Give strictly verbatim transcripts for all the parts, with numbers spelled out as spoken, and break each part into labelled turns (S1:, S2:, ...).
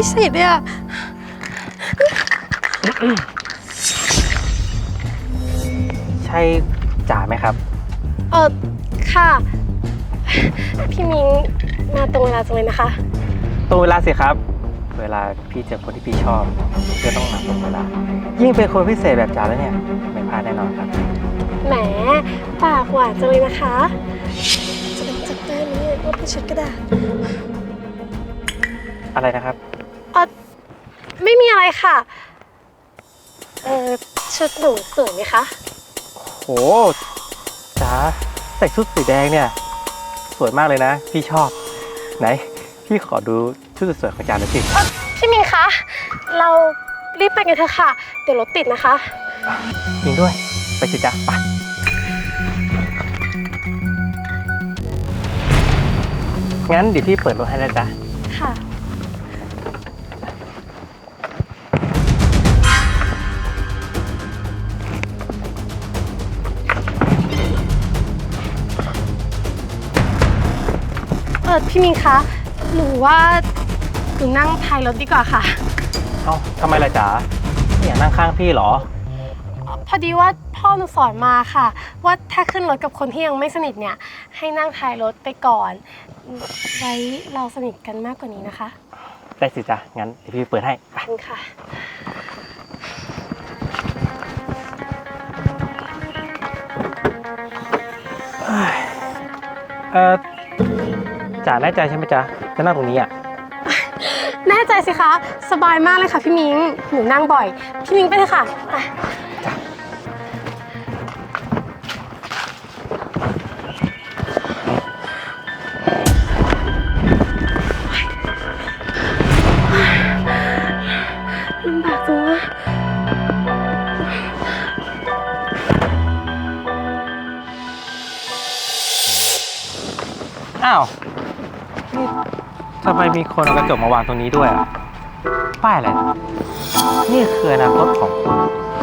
S1: สิทธิ์เนี่ย
S2: ใช่จ๋าไหมครับ
S1: เออค่ะพี่มิ้งมาตรงเวลาจังเลยนะคะ
S2: ตรงเวลาสิครับเวลาพี่เจอคนที่พี่ชอบก็ต้องมาตรงเวลายิ่งเป็นคนพิเศษแบบจ๋าแล้วเนี่ยไม่พลาดแน่นอนครับ
S1: แหมปากหวานจังเลยนะคะจะเป็นจับได้ไหมเนี่ยว่าเป็นชุดกระดาษ
S2: อะไรนะครับ
S1: เออไม่มีอะไรค่ะเออชุดหนูสวยไหมคะ
S2: โหจ๋าใส่ชุดสีแดงเนี่ยสวยมากเลยนะพี่ชอบไหนพี่ขอดูชุดสวยของจ๋าหน่อยสิ
S1: พี่มิงคะเรารีบไปกันเถอะค่ะเดี๋ยวรถติดนะคะ
S2: จริงด้วยไปสิจ๊ะไปงั้นเดี๋ยวพี่เปิดรถให้นะจ๊ะ
S1: ค่ะเออพี่มิงคะหนูว่าหนูนั่งท้ายรถดีกว่าค่ะ
S2: เอ้าทำไมล่ะจ๋าไม่อยากนั่งข้างพี่เหรอ
S1: พอดีว่าพ่อหนูสอนมาค่ะว่าถ้าขึ้นรถกับคนที่ยังไม่สนิทเนี่ยให้นั่งท้ายรถไปก่อนไว้เราสนิทกันมากกว่านี้นะคะ
S2: ได้สิจ๊ะงั้นเดี๋ยวพี่เปิดให้
S1: ไปค่ะ
S2: เออจ๋าแน่ใจใช่ไหมจ๊ะจะนั่งตรงนี้อ่ะ
S1: แน่ใจสิคะสบายมากเลยค่ะพี่มิ้งหนูนั่งบ่อยพี่มิ้งไปเถอะค่ะไป
S2: จ้ะ
S1: ลำบากจังวะ
S2: อ้าวนี่ทำไมมีคนเอากระจกมาวางตรงนี้ด้วยอ่ะป้ายอะไรนี่คืออนาคตของคุณ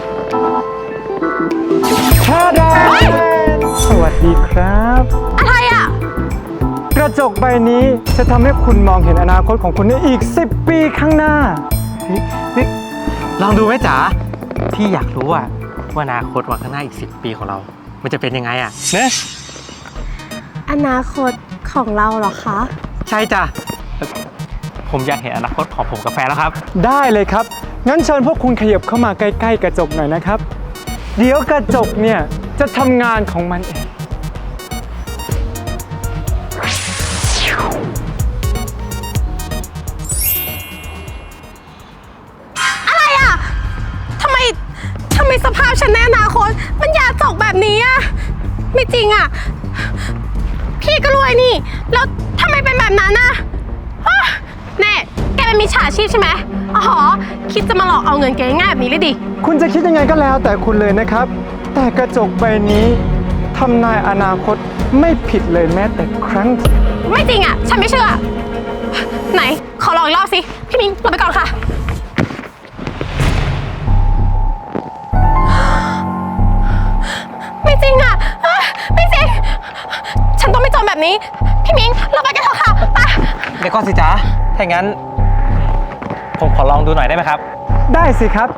S2: ชาดาสวัสดีครับ
S1: อะไรอ่ะ
S3: กระจกใบนี้จะทำให้คุณมองเห็นอนาคตของคุณในอีกสิบปีข้างหน้า
S2: นี่นี่ลองดูไหมจ๋าพี่อยากรู้อ่ะว่าอนาคตวันข้างหน้าอีกสิบปีของเรามันจะเป็นยังไงอ่ะเนี่ย
S1: อนาคตของเราเหรอคะ
S2: ใช่จ้ะผมอยากเห็นอนาคตของผมกับแฟนแล้วครับ
S3: ได้เลยครับงั้นเชิญพวกคุณขยับเข้ามาใกล้ๆกระจกหน่อยนะครับเดี๋ยวกระจกเนี่ยจะทำงานของมันเอง
S1: อะไรอ่ะทำไมทำไมสภาพฉันในอนาคตมันยาจกแบบนี้อ่ะไม่จริงอ่ะพี่ก็รวยนี่แล้วทำไมเป็นแบบนั้นน่ะแน่แกเป็นมิจฉาชีพใช่ไหมอ๋อคิดจะมาหลอกเอาเงินแกง่ายแบบนี้เลยดิ
S3: คุณจะคิดยังไงก็แล้วแต่คุณเลยนะครับแต่กระจกใบนี้ทำนายอนาคตไม่ผิดเลยแม้แต่ครั้ง
S1: ไม่จริงอ่ะฉันไม่เชื่อไหนขอลองอีกรอบสิพี่มิ้งลงไปก่อนค่ะไม่จริงอ่ะไม่จริงฉันต้องไม่จมแบบนี้พี่มิ้งเราไปกันเถอะค่ะไป
S2: เดี๋ยวก่อนสิจ๊ะถ้าอย่างนั้นผมขอลองดูหน่อยได้ไหมครับ
S3: ได้สิครับ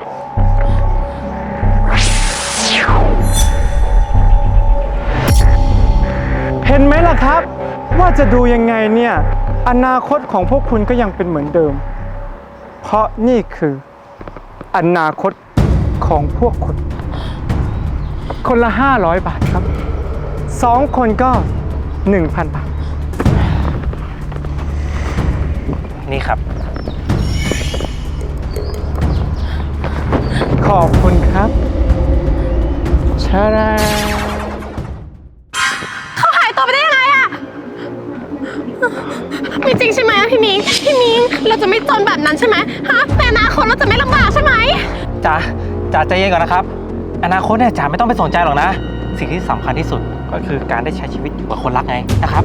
S3: เห็นไหมล่ะครับว่าจะดูยังไงเนี่ยอนาคตของพวกคุณก็ยังเป็นเหมือนเดิมเพราะนี่คืออนาคตของพวกคุณคนละห้าร้อยบาทครับสองคนก็หนึ่งพันบาท
S2: นี่ครับ
S3: ขอบคุณครับชาดา
S1: เขาหายตัวไปได้ยังไงอะไม่จริงใช่ไหมพี่มิ้งพี่มิ้งเราจะไม่จนแบบนั้นใช่ไหมฮะในอนาคตเราจะไม่ลำบากใช่ไหม
S2: จ๋าจ๋าใจเย็นก่อนนะครับอนาคตเนี่ยจ๋าไม่ต้องไปสนใจหรอกนะสิ่งที่สำคัญที่สุดก็คือการได้ใช้ชีวิตอยู่กับคนรักไงนะครับ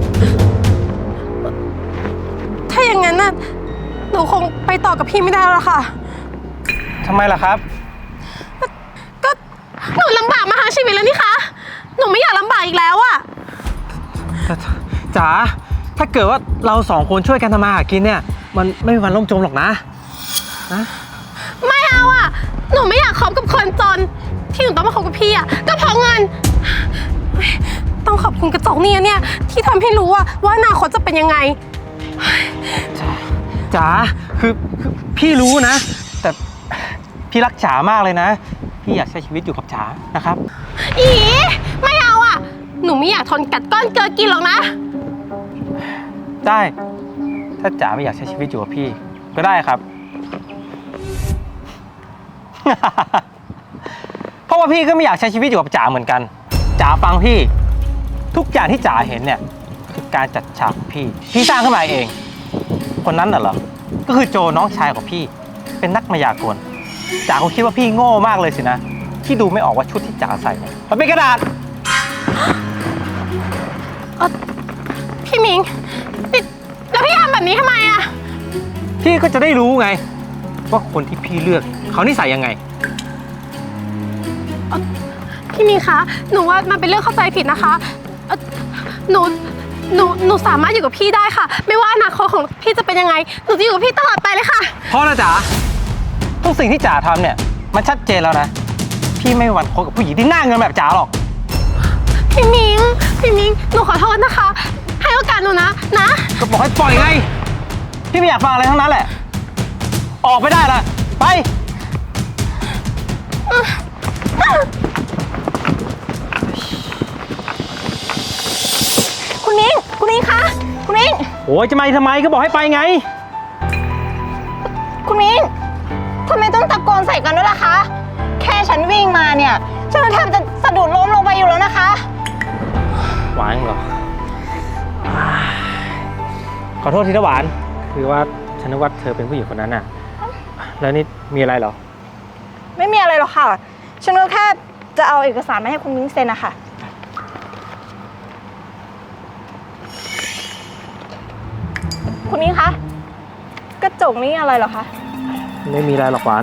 S1: ถ้าอย่างนั้นน่ะหนูคงไปต่อกับพี่ไม่ได้แล้วค่ะ
S2: ทำไมล่ะครับ
S1: ก็หนูลำบากมาทั้งชีวิตแล้วนี่คะหนูไม่อยากลำบากอีกแล้วอะ
S2: จ๋าถ้าเกิดว่าเราสองคนช่วยกันทำมาหากินเนี่ยมันไม่มีวันล่มจมหรอกนะ
S1: ไม่เอาอ่ะ หนูไม่อยากคบกับคนจน ที่หนูต้องมาคบกับพี่อ่ะก็เพราะเงิน ต้องขอบคุณกระจกเนี่ยเนี่ยที่ทำให้รู้ว่าว่าอนาคตจะเป็นยังไง
S2: จ๋าคือคือพี่รู้นะ แต่พี่รักจ๋ามากเลยนะ พี่อยากใช้ชีวิตอยู่กับจ๋านะครับ
S1: อีไม่เอาอ่ะ หนูไม่อยากทนกัดก้อนเกลือกินหรอกนะ
S2: ได้ ถ้าจ๋าไม่อยากใช้ชีวิตอยู่กับพี่ ก็ได้ครับ เพราะว่าพี่ก็ไม่อยากใช้ชีวิตอยู่กับจ๋าเหมือนกันจ๋าฟังพี่ทุกอย่างที่จ๋าเห็นเนี่ยคือการจัดฉากของพี่พี่สร้างขึ้นมาเอง คนนั้นน่ะเหรอก็คือโจน้องชายของพี่เป็นนักมายากลจ๋าคงคิดว่าพี่โง่มากเลยสินะที่ดูไม่ออกว่าชุดที่จ๋าใส่เนี่ยมันเป็นกระดาษ
S1: พี่มิงนี่แล้วพี่ทำแบบนี้ทำไมอ่ะ
S2: พี่ก็จะได้รู้ไงว่าคนที่พี่เลือกเขานิสัยยังไง
S1: พี่มิงคะ หนูว่ามันเป็นเรื่องเข้าใจผิดนะคะเอ่อหนู หนู หนูสามารถอยู่กับพี่ได้ค่ะ ไม่ว่าอนาคตของพี่จะเป็นยังไง หนูจะอยู่กับพี่ตลอดไปเลยค่ะ
S2: เพราะนะจ๋าทุกสิ่งที่จ๋าทำเนี่ยมันชัดเจนแล้วนะ พี่ไม่มีวันคบกับผู้หญิงที่หน้าเงินแบบจ๋าหรอก
S1: พี่มิง พี่มิง หนูขอโทษนะคะ ให้โอกาสหนูนะ นะ
S2: ก็บอกให้ปล่อยไง พี่ไม่อยากฟังอะไรทั้งนั้นแหละ ออกไปได้ละไป
S1: คุณมิง คุณมิงคะ คุณมิง
S2: โอ้ยจะมาทำไมก็บอกให้ไปไง
S4: คุณมิ้งทำไมต้องตะโกนใส่กันด้วยล่ะคะ แค่ฉันวิ่งมาเนี่ย ฉันแทบจะสะดุดล้มลงไปอยู่แล้วนะคะ
S2: หวานเหรอ ขอโทษทีนะหวาน คือว่าฉันนึกว่าเธอเป็นผู้หญิงคนนั้นน่ะ แล้วนี่มีอะไรเหรอ
S4: ไม่มีอะไรหรอกค่ะ ฉันก็แค่จะเอาเอกสารมาให้คุณมิ้งเซ็นนะคะคุณมิ้งคะ กระจกนี่อะไรเหรอคะ
S2: ไม่มีอะไรหรอกหวาน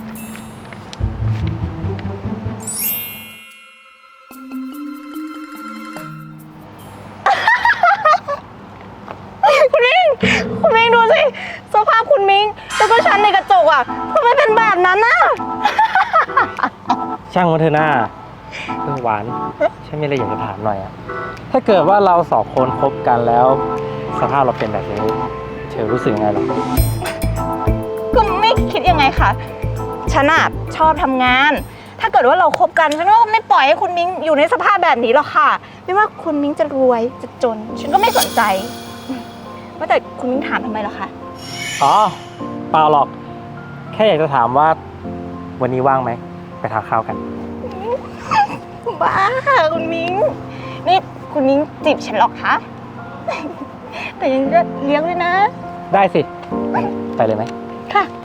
S4: คุณมิ้ง คุณมิ้งดูสิสภาพคุณมิ้งแล้วก็ฉันในกระจกอ่ะทำไมเป็นแบบนั้นน่ะ
S2: ช่างมันเถอะหน้าเรื่องหวาน ฉันมีอะไรอยากจะถามหน่อยอะถ้าเกิดว่าเราสองคนคบกันแล้ว สภาพเราเป็นแบบนี้เธอรู้สึกยังไงหรอ
S4: ก็ไม่คิดยังไงคะฉันอะชอบทำงาน ถ้าเกิดว่าเราคบกันฉันก็ไม่ปล่อยให้คุณมิ้งอยู่ในสภาพแบบนี้หรอกค่ะ ไม่ว่าคุณมิ้งจะรวยจะจน ฉันก็ไม่สนใจว่าแต่คุณมิ้งถามทำไมล่ะคะ
S2: อ๋อเปล่าหรอก แค่อยากจะถามว่าวันนี้ว่างไหม ไปทานข้าวกัน
S4: บ้าค่ะคุณมิ้งนี่คุณมิ้งจีบฉันหรอกคะ แต่ยังจะเลี้ยงด้วยนะ
S2: ได้สิ ไปเลยไหม
S4: ค่ะไป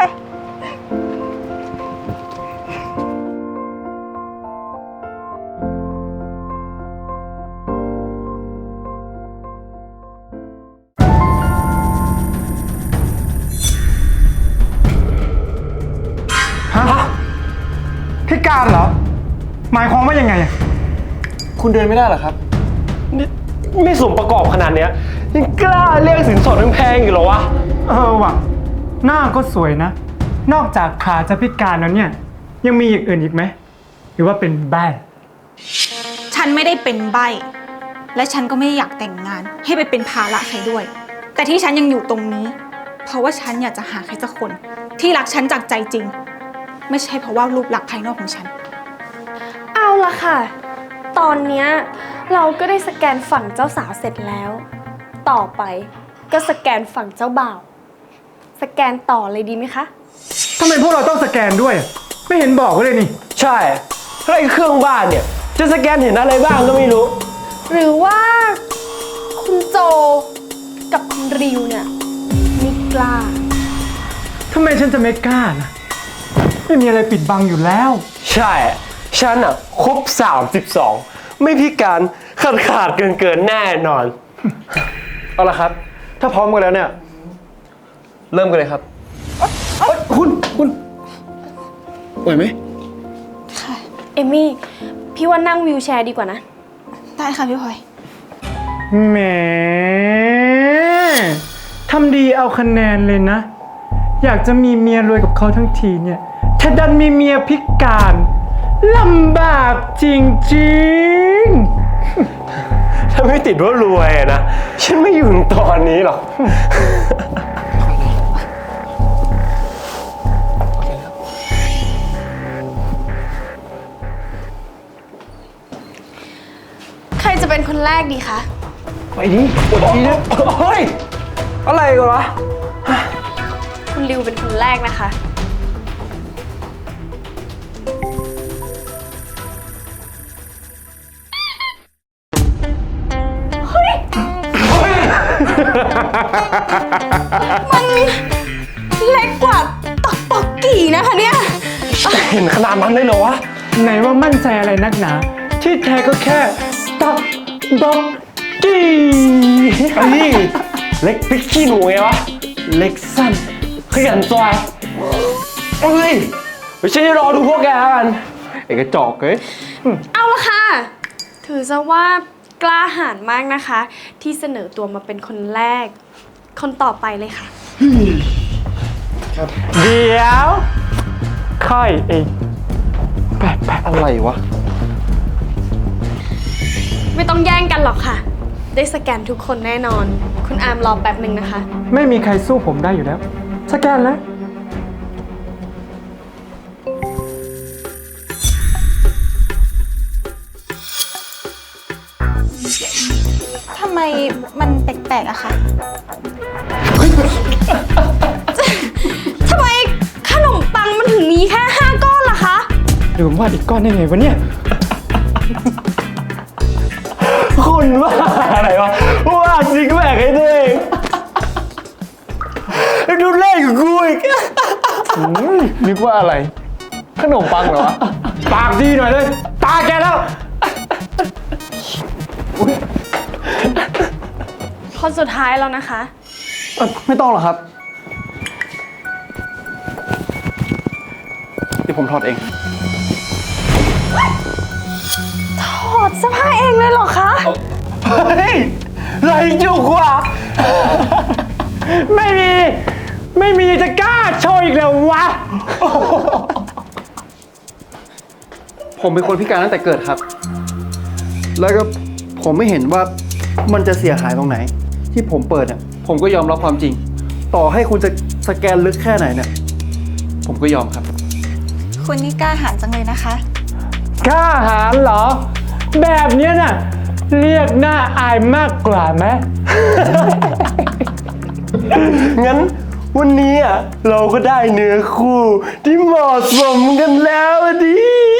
S3: ฮะพิการเหรอ หมายความว่ายังไงอะ
S5: คุณเดินไม่ได้เหรอครับ นี่ไม่สมประกอบขนาดเนี้ยยังกล้าเรียกสินสอดแพงๆอยู่เหรอวะ
S3: เออว่ะ หน้าก็สวยนะ นอกจากขาจะพิการแล้วเนี่ย ยังมีอย่างอื่นอีกไหม หรือว่าเป็นแบ้
S6: ฉันไม่ได้เป็นใบ้และฉันก็ไม่อยากแต่งงาน ให้ไปเป็นภาระใครด้วย แต่ที่ฉันยังอยู่ตรงนี้ เพราะว่าฉันอยากจะหาใครสักคน ที่รักฉันจากใจจริง ไม่ใช่เพราะว่ารูปลักษณ์ภายนอกของฉัน
S7: เอาละค่ะ ตอนเนี้ยเราก็ได้สแกนฝั่งเจ้าสาวเสร็จแล้ว ต่อไปก็สแกนฝั่งเจ้าบ่าว สแกนต่อเลยดีไหมคะ
S3: ทำไมพวกเราต้องสแกนด้วยอะไม่เห็นบอกไว้เลยนี่
S5: ใช่แล้วไอ้เครื่องบ้านเนี่ย จะสแกนเห็นอะไรบ้างก็ไม่รู้
S7: หรือว่าคุณโจกับคุณริวเนี่ยไม่กล้า
S3: ทำไมฉันจะไม่กล้านะไม่มีอะไรปิดบังอยู่แล้ว
S5: ใช่ ฉันอ่ะครบสามสิบสองไม่พิการขาดขาดเกินเกินๆแน่นอน เอาละครับ ถ้าพร้อมกันแล้วเนี่ย เริ่มกันเลยครับเอ้ยคุณคุณไหวไหม
S7: เอมี่ พี่ว่านั่งวิวแชร์ดีกว่านะ
S6: ได้ค่ะพี่พลอย
S3: แหมทำดีเอาคะแนนเลยนะอยากจะมีเมียรวยกับเขาทั้งทีเนี่ยถ้าดันมีเมียพิการลำบากจริงๆ
S5: ถ้าไม่ติดว่ารวยอะนะ ฉันไม่อยู่ถึงตอนนี้หรอก
S7: ใครจะเป็นคนแรกดีคะ
S5: ไปดิปวดดีนะเฮ้ย อะไรกันวะ
S7: คุณริวเป็นคนแรกนะคะ เล็กกว่าตอกปอกกี่นะคะเนี่ย
S5: เห็นขนาดนั้นเลยเหรอวะ
S3: ไหนว่ามั่นใจอะไรนักหนา ที่แท้ก็แค่ตับด็อกกี้
S5: ไอ้นี่เล็กพริกขี้หนูไงวะ เล็กสั้นขยันซอยเอ้ยเดี๋ยวฉันจะรอดูพวกแกแล้วกันไอ้กระจอกเอ้ย
S7: เอาละค่ะ ถือซะว่ากล้าหาญมากนะคะ ที่เสนอตัวมาเป็นคนแรก คนต่อไปเลยค่ะ
S3: เดี๋ยวค่อยเองแปะแปะ
S5: อะไรวะ
S7: ไม่ต้องแย่งกันหรอกค่ะ ได้สแกนทุกคนแน่นอน คุณอาร์มรอแป๊บหนึ่งนะคะ
S3: ไม่มีใครสู้ผมได้อยู่แล้ว สแกนแล้ว
S6: ทำไมมันแปลกๆอะคะ
S7: ทำไมขนมปังมันถึงมีแค่ห้าก้อนล่ะคะ
S3: หรือว่าอีกก้อนได้ไงวะเนี่ย
S5: คนว่าอะไรวะว่าซิกแพคให้ตัวเองดูเลขกับกูอีกนึกว่าอะไร ขนมปังเหรอวะ
S3: ปากดีหน่อยเลย ตาแกแล้ว
S7: คนสุดท้ายแล้วนะคะ
S5: ไม่ต้องหรอกครับ เดี๋ยวผมถอดเอง
S7: ถอดเสื้อผ้าเองเลยเหรอคะ
S5: เฮ้ยไรจุกว่ะ
S3: ไม่มี ไม่มีจะกล้าโชว์อีกแล้ววะ
S8: ผมเป็นคนพิการตั้งแต่เกิดครับ แล้วก็ผมไม่เห็นว่ามันจะเสียหายตรงไหน ที่ผมเปิดเนี่ยผมก็ยอมรับความจริง ต่อให้คุณจะสแกนลึกแค่ไหนเนี่ย ผมก็ยอมครับ
S6: คุณนี่กล้าหาญจังเลยนะคะ
S3: กล้าหาญเหรอ แบบเนี้ยน่ะ เรียกหน้าอายมากกว่าไหม
S5: งั้นวันนี้อ่ะเราก็ได้เนื้อคู่ที่เหมาะสมกันแล้วอะดิ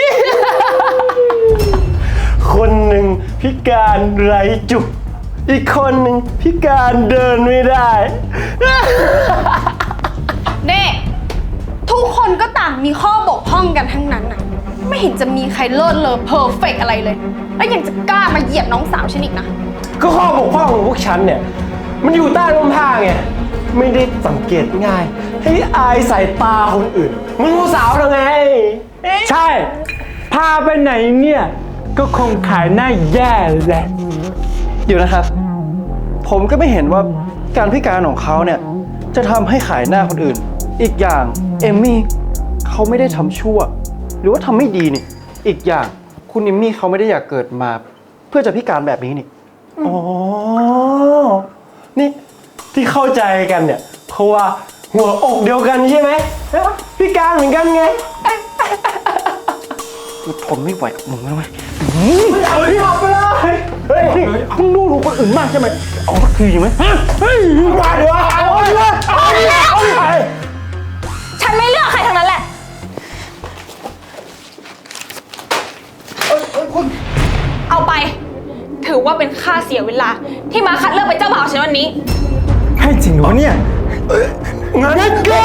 S5: คนหนึ่งพิการไร้จุก อีกคนหนึ่งพิการเดินไม่ได้
S7: เน่ทุกคนก็ต่างมีข้อบกพร่องกันทั้งนั้นน่ะ ไม่เห็นจะมีใครเลิศเลอเพอร์เฟกอะไรเลย แล้วยังจะกล้ามาเหยียดน้องสาวฉันอีกนะ
S5: ก็ข้อบกพร่องของพวกฉันเนี่ย มันอยู่ใต้ร่มผ้าไง ไม่ได้สังเกตง่าย ให้อายสายตาคนอื่นมึงรู้สาวหรือไง
S3: ใช่ พาไปไหนเนี่ย ก็คงขายหน้าแย่แหละ
S8: เดี๋ยวนะครับ ผมก็ไม่เห็นว่าการพิการของเขาเนี่ยจะทำให้ขายหน้าคนอื่น อีกอย่างเอมมี่เขาไม่ได้ทำชั่ว หรือว่าทำไม่ดีนี่ อีกอย่างคุณเอมมี่เขาไม่ได้อยากเกิดมา เพื่อจะพิการแบบนี้นี่
S5: อ๋อ นี่ที่เข้าใจกันเนี่ย เพราะว่าหัวอกเดียวกันใช่ไหมพิการเหมือนกันไง
S8: กูทนไม่ไหวกับมึงแล้วไหม
S5: เอาที่ออกไปเลย เฮ้ย
S8: มึงดูถูกคนอื่นมากใช่ไหมเอาสักทีไหมฮะ
S5: เฮ้ยมาเดี๋ยวเอาดิวะเอาดิวะเอาดิวะ
S6: ฉันไม่เลือกใครทั้งนั้นแหละ เอาไป ถือว่าเป็นค่าเสียเวลา ที่มาคัดเลือกเป็นเจ้าบ่าวฉันวันนี้
S3: ให้จริงเหรอเนี่ย
S5: งั้นก็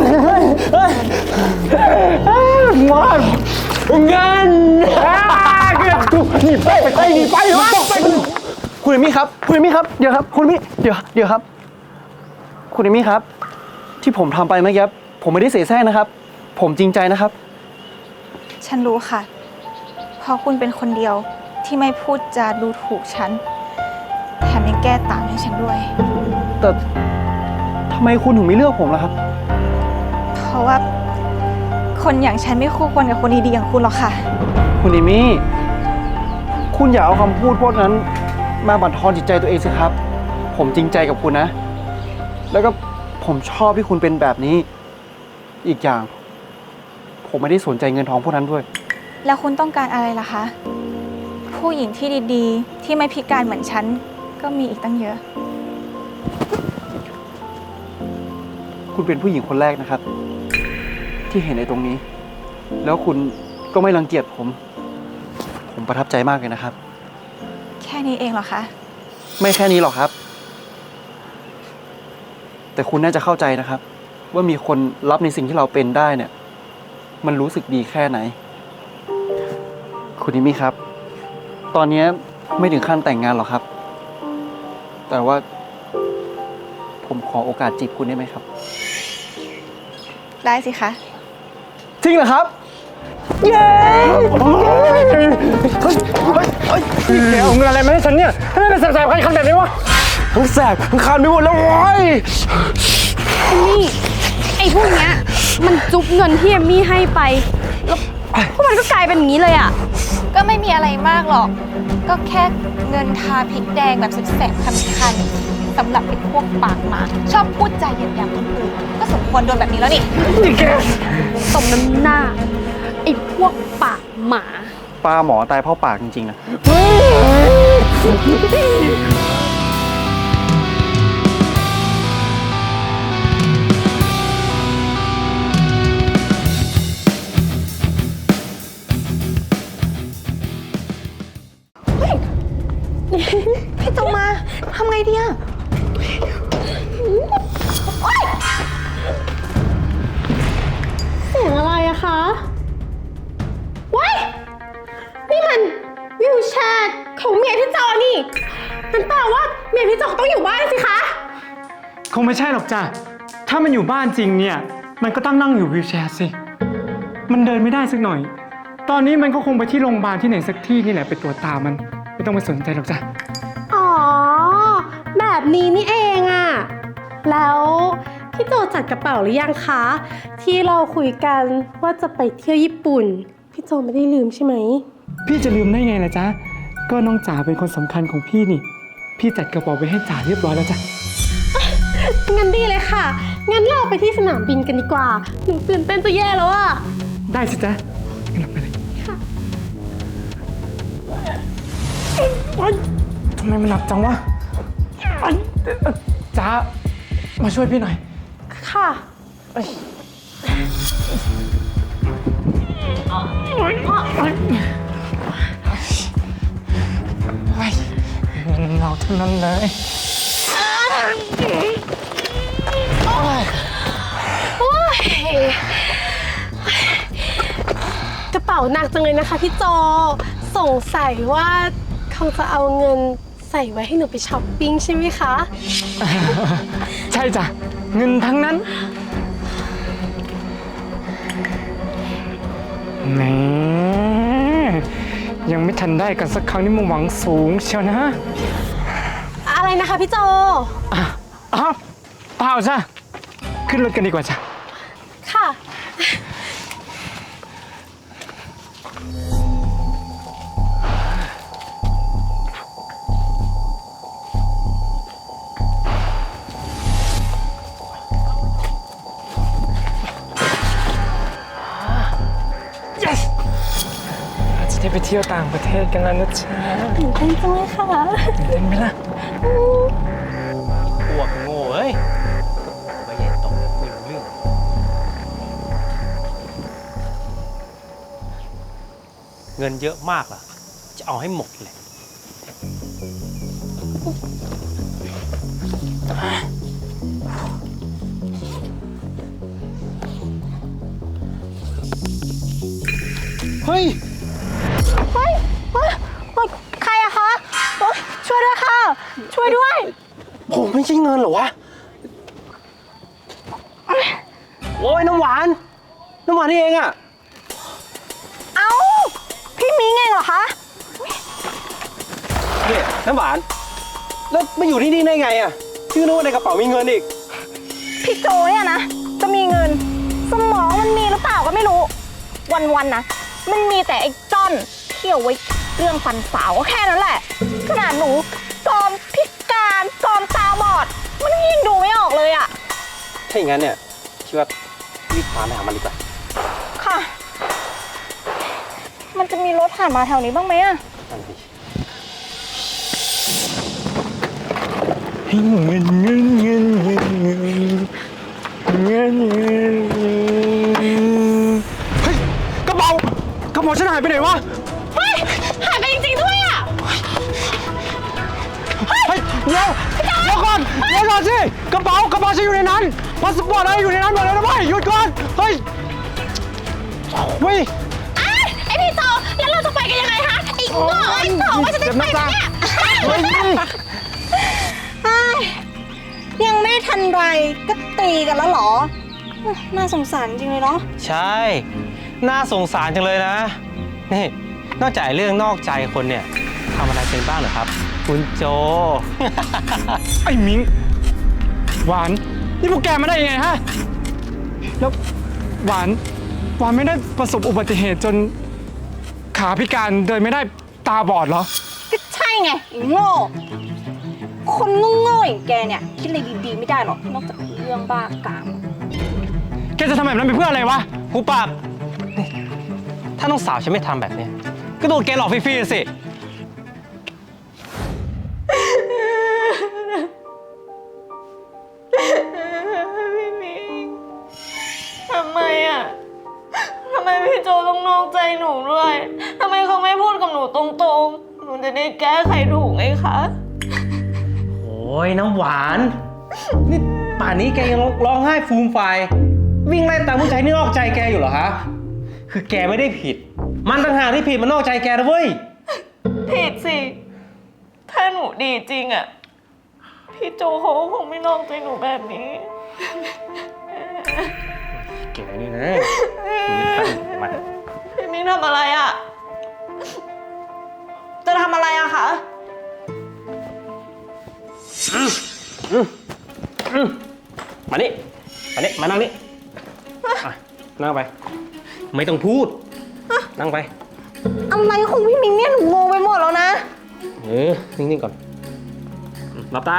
S5: มางั้น
S3: หนีไปไปหนีไปวะ
S8: คุณเอมมี่ครับ คุณเอมมี่ครับ เดี๋ยวครับ คุณเอมมี่ เดี๋ยว เดี๋ยวครับ คุณเอมมี่ครับ ที่ผมทำไปเมื่อกี้ผมไม่ได้เสแสร้งนะครับ ผมจริงใจนะครับ
S6: ฉันรู้ค่ะ เพราะคุณเป็นคนเดียวที่ไม่พูดจาดูถูกฉัน แถมยังแก้ต่างให้ฉันด้วย
S8: แต่ทำไมคุณถึงไม่เลือกผมล่ะครับ
S6: เพราะว่าคนอย่างฉันไม่คู่ควรกับคนดีๆอย่างคุณหรอกค่ะ
S8: คุณอิมี่ คุณอย่าเอาคำพูดพวกนั้นมาบั่นทอนจิตใจตัวเองสิครับ ผมจริงใจกับคุณนะ แล้วก็ผมชอบที่คุณเป็นแบบนี้ อีกอย่าง ผมไม่ได้สนใจเงินทองพวกนั้นด้วย
S6: แล้วคุณต้องการอะไรล่ะคะ ผู้หญิงที่ดีๆ ที่ไม่พิการเหมือนฉันก็มีอีกตั้งเยอะ
S8: คุณเป็นผู้หญิงคนแรกนะครับ ที่เห็นในตรงนี้ แล้วคุณก็ไม่รังเกียจผม ผมประทับใจมากเลยนะครับ
S6: แค่นี้เองเหรอคะ
S8: ไม่แค่นี้หรอกครับ แต่คุณน่าจะเข้าใจนะครับ ว่ามีคนรับในสิ่งที่เราเป็นได้เนี่ย มันรู้สึกดีแค่ไหน คุณนิมี่ครับ ตอนนี้ไม่ถึงขั้นแต่งงานหรอกครับ แต่ว่า ผมขอโอกาสจีบคุณได้ไหมครับ
S6: ได้สิคะ
S8: จริงเหรอครับ เย้เฮ้ยเฮ้ยเฮ้ยแกเอาเงินอะไรมาให้ฉันเนี่ยทำไมเป็นแสบๆคันๆแบบนี้วะทั้งแสบทั้งคันไปหมดแล้วโว้ย
S7: นี่ไอ้พวกเนี้ยมันจุ๊บเงินที่เอมมี่ให้ไป แล้วพวกมันก็กลายเป็นอย่างนี้เลยอ่ะ
S6: ก็ไม่มีอะไรมากหรอก ก็แค่เงินทาพริกแดงแบบแสบๆคันๆสำหรับไอ้พวกปากหมาชอบพูดใจาเหยียดหยามคนอื่นก็สมควรโดนแบบนี้แล้วนี่
S8: นี่แก
S7: สมน้ำหน้า ไอ้พวกปากหมา
S8: ปลาหมอตายเพราะปากจริงๆนะ
S4: พี่โจมาทำไงดีอะ
S1: เสียงอะไรอะคะว้ายนี่มันวิวแชร์ของเมียพี่จอนี่มันแปลว่าเมียพี่จอต้องอยู่บ้านสิคะ
S3: คงไม่ใช่หรอกจ้ะ ถ้ามันอยู่บ้านจริงเนี่ย มันก็ต้องนั่งอยู่วีลแชร์สิ มันเดินไม่ได้สักหน่อย ตอนนี้มันก็คงไปที่โรงพยาบาลที่ไหนสักที่นี่แหละไปตรวจตามัน ไม่ต้องไปสนใจหรอกจ้ะ
S1: อ๋อ แบบนี้นี่เองอะแล้วพี่โจจัดกระเป๋าหรือยังคะ ที่เราคุยกันว่าจะไปเที่ยวญี่ปุ่น พี่โจไม่ได้ลืมใช่ไหม
S3: พี่จะลืมได้ไงล่ะจ๊ะ ก็น้องจ๋าเป็นคนสำคัญของพี่นี่ พี่จัดกระเป๋าไว้ให้จ๋าเรียบร้อยแล้วจ้ะ
S1: งั้นดีเลยค่ะ งั้นเราไปที่สนามบินกันดีกว่า หนูตื่นเต้นจะแย่แล้วอะ
S3: ได้สิจ๊ะงั้นเราไปเลย
S1: ค่ะ
S3: โอ๊ยทำไมมันหนักจังวะไอ้เอ่อจ๋ามาช่วยพี่หน่อย
S1: ค่ะ
S3: เงินเราทั้งนั้นเลย
S1: กระเป๋าหนักจังเลยนะคะพี่โจ สงสัยว่าคงจะเอาเงินใส่ไว้ให้หนูไปช้อปปิ้งใช่ไหมคะ
S3: ใช่จ้ะ เงินทั้งนั้นแหมยังไม่ทันได้กันสักครั้งนี่มันหวังสูงเชียวนะ
S1: อะไรนะคะพี่โจ
S3: อ่ะอ้าวเปล่าจ้ะ ขึ้นรถกันดีกว่าจ้ะ
S1: ค่ะ
S3: yes เราจะได้ไปเที่ยวต่างประเทศกันแล้วนะจ๊ะ
S1: ตื่นเต้นจังเลยค่ะ
S3: ตื่นเต้นไหมล่ะ
S2: พวกโง่เอ้ยไปใหญ่โตไม่รู้เรื่อง เงินเยอะมากเหรอ จะเอาให้หมดเลย
S8: เฮ้ย
S1: เฮ้ยเฮ้ยเฮ้ยใครอะคะโอ๊ยช่วยด้วยค่ะ ช่วยด้วย
S8: ผมไม่ใช่เงินเหรอวะ โอ้ยน้ำหวาน น้ำหวานนี่เองอะ
S4: เอ้า พี่มิ้งเองเหรอคะ
S8: เนี่ยน้ำหวาน แล้วมาอยู่ที่นี่ได้ไงอะพี่ก็นึกว่าในกระเป๋ามีเงินอีก
S4: พี่โจเนี่ยนะ จะมีเงินสมองมันมีหรือเปล่าก็ไม่รู้ วันๆนะมันมีแต่ไอ้จ้อนเที่ยวไว้เรื่องฟันสาวก็แค่นั้นแหละขนาดหนูกอมพิการกอมตาบอดมันยิ่งดูไม่ออกเลยอะ
S2: ถ้าอย่างนั้นเนี่ยคิดว่ารีบพาไปหามันดีกว่า
S4: ค่ะ มันจะมีรถผ่านมาแถวนี้บ้างไหมอะ
S2: นั่นสิ
S3: เงินเงินเงินเงินเงินเงินเงินเฮ้ยกระเป๋ากระเป๋าฉันหายไปไหนวะ
S1: เฮ้ย หายไปจริงๆด้วยอ่ะ
S3: เฮ้ยเดี๋ยวเดี๋ยวก่อนเดี๋ยวก่อนสิกระเป๋ากระเป๋าฉันอยู่ในนั้นพาสปอร์ตอะไรอยู่ในนั้นหมดเลยนะเว้ยหยุดก่อนเฮ้ยเฮ้ย
S1: ไอ้ไอพี่โตแล้วเราจะไปกันยังไงคะไอ้โง่ไอ้โตว่าจะได้ไปไหมเนี่ย
S3: เฮ้ย
S4: เฮ้ยยังไม่ทันไรก็ตีกันแล้วเหรอ น่าสงสารจริงเลยเนาะ
S2: ใช่ น่าสงสารจังเลยนะ นี่ นอกจากเรื่องนอกใจคนเนี่ยทำอะไรเป็นบ้างเหรอครับ คุณโจ
S3: ไอ้มิงหวานนี่พวกแกมาได้ยังไงฮะแล้วหวานหวานไม่ได้ประสบอุบัติเหตุจนขาพิการเดินไม่ได้ตาบอดเหรอ
S4: ก็ใช่ไงไอ้โง่ คนโง่ๆอย่างแกเนี่ยคิดอะไรดีๆไม่ได้หรอกนอกจากเรื่องบ้ากาม
S3: แกจะทำแบบนั้นไปเพื่ออะไรวะ
S2: หูปากนี่ถ้าน้องสาวฉันไม่ทำแบบเนี้ยก็โดนแกหลอกฟรีๆสิ
S1: พี่มิงทำไมอ่ะ ทำไมพี่โจต้องนอกใจหนูด้วย ทำไมเขาไม่พูดกับหนูตรงๆ หนูจะได้แก้ไขถูกไงคะ
S2: โอ้ยน้ำหวาน นี่ป่านนี้แกยังร้องไห้ฟูมไฟายวิ่งไล่ตามผู้ชายที่นอกใจแกอยู่เหรอฮะ คือแกไม่ได้ผิด มันต่างหากที่ผิดมันนอกใจแกนะเว้ย
S1: ผิดสิ ถ้าหนูดีจริงอ่ะ พี่โจเขาก็คงไม่นอกใจหนูแบบนี้
S2: แกนี่นะมัน
S1: พี่มิงทำอะไรอ่ะ จะทำอะไรอะคะ
S2: มานี่มานี่มานั่งนี่อ่ะนั่งไป ไม่ต้องพูด นั่งไป
S4: อะไรของพี่มิงเนี่ยหนูงงไปหมดแล้วนะ
S2: เออ นิ่งๆก่อนหลับตา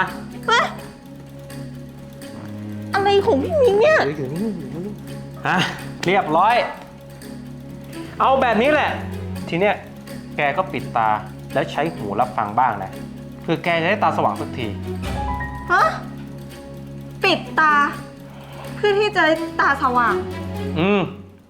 S4: อะไรของพี่มิงเนี่ย
S2: เดี๋ยวอยู่นิ่งๆอยู่นิ่งๆอ่ะเรียบร้อย เอาแบบนี้แหละ ทีเนี้ยแกก็ปิดตาแล้วใช้หูรับฟังบ้างนะเพื่อแกจะได้ตาสว่างสักที
S4: ฮะ ปิดตา เพื่อที่จะได้ตาสว่าง
S2: อืม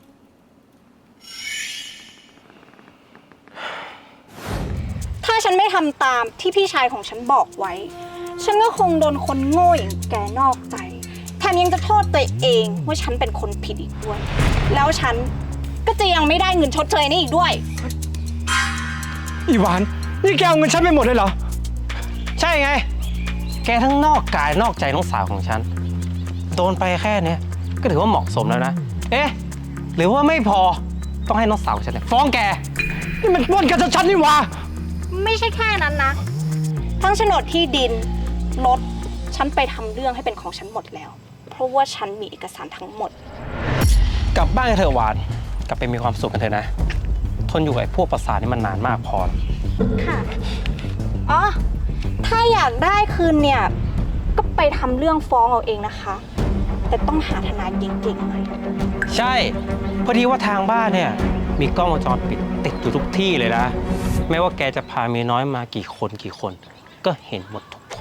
S4: ถ้าฉันไม่ทำตามที่พี่ชายของฉันบอกไว้ ฉันก็คงโดนคนโง่อย่างแกนอกใจ แถมยังจะโทษตัวเองว่าฉันเป็นคนผิดอีกด้วย แล้วฉันก็จะยังไม่ได้เงินชดเชยนี่อีกด้วย
S3: อีหวาน นี่แกเอาเงินฉันไปหมดเลยเหรอ
S2: ใช่ไง แกทั้งนอกกายนอกใจน้องสาวของฉัน โดนไปแค่เนี้ยก็ถือว่าเหมาะสมแล้วนะ เอ๊ะ หรือว่าไม่พอต้องให้น้องสาวของฉันเนี่ยฟ้องแก
S3: นี่มันปล้นกันชัดๆนี่หว่า
S4: ไม่ใช่แค่นั้นนะ ทั้งโฉนดที่ดิน รถ ฉันไปทำเรื่องให้เป็นของฉันหมดแล้ว เพราะว่าฉันมีเอกสารทั้งหมด
S2: กลับบ้านกันเถอะหวาน กลับไปมีความสุขกันเถอะนะ ทนอยู่กับไอ้พวกประสาทนี่มันนานมากพอ
S4: ค่ะ อ๋อ ถ้าอยากได้คืนเนี่ย ก็ไปทำเรื่องฟ้องเอาเองนะคะ แต่ต้องหาทนายเก่งๆหน่อย
S2: ใช่ พอดีว่าทางบ้านเนี่ย มีกล้องวงจรปิดติดอยู่ทุกที่เลยนะ ไม่ว่าแกจะพาเมียน้อยมากี่คนกี่คน ก็เห็นหมดทุกคน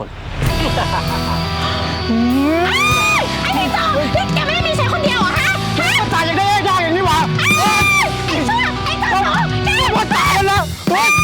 S1: ไอ้พี่โจนี่แกไม่ได้มีใช้คนเดียวเหรอฮะ
S3: ตายอย่างได้ยากอย่างนี้หว่า
S1: ไอ้ชั่วไอ้โจแก
S3: ว่าตายแล้วเฮ้ย